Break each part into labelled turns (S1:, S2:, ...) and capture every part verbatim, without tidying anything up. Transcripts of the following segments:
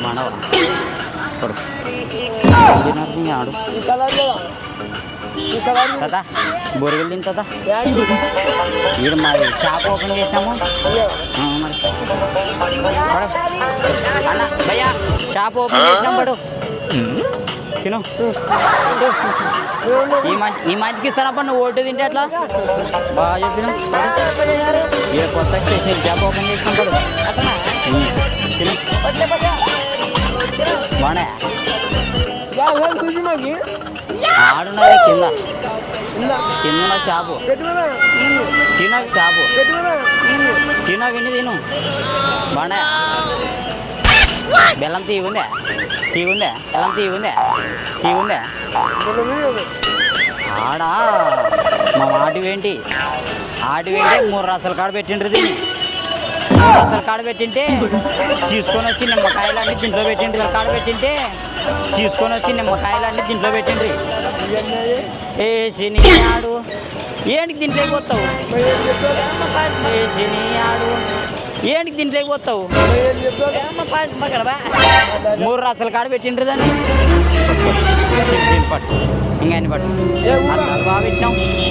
S1: మానవ కొడు ఆడు కదా బొరుగులు తింటుందా వీడు మరి షాప్ ఓపెన్ చేసినాము మరి అన్న భయ్యా షాప్ ఓపెన్ చేసినాం పడు తిను ఈ మంచి ఈ మంచికి ఇస్తానప్ప నువ్వు ఓటు తింటే అట్లా బాగా చెప్పిన ఏ కొత్త స్టేషన్ షాప్ ఓపెన్ చేసినాం పడు తిను బాగా ఆడున్నది కింద కింద షాపు చిన్న షాపు చిన్న విని తిను బాగా బెల్లం తీ ఉందే తీ ఉందే బెల్లం తీ ఉందే తీ ఉందే ఆడా మా ఆటివేంటి ఆటివేంటి మూడు రసాల కాడ పెట్టిండ్రు దీన్ని మూడు రసాల కాడ పెట్టింటే తీసుకొని వచ్చి నిమ్మకాయలన్నీ దీంట్లో పెట్టిండ్రు కాడ పెట్టింటే తీసుకొని వచ్చి నిమ్మకాయలన్నీ దీంట్లో పెట్టిండ్రి ఏ శని ఆడు ఏంటికి దీంట్లోకి పోతావు ఏ శని ఆడు ఏంటికి దీంట్లోకి పోతావు మూడు రసాల కాడ పెట్టిండ్రు దాన్ని పట్టు ఇంకా అన్ని పట్టు బాగా పెట్టినాం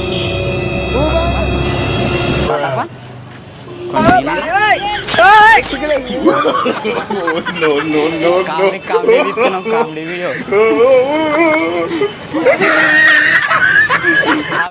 S1: కామెడీ కామెడీ ఇస్తున్నాం కామెడీ వీడియో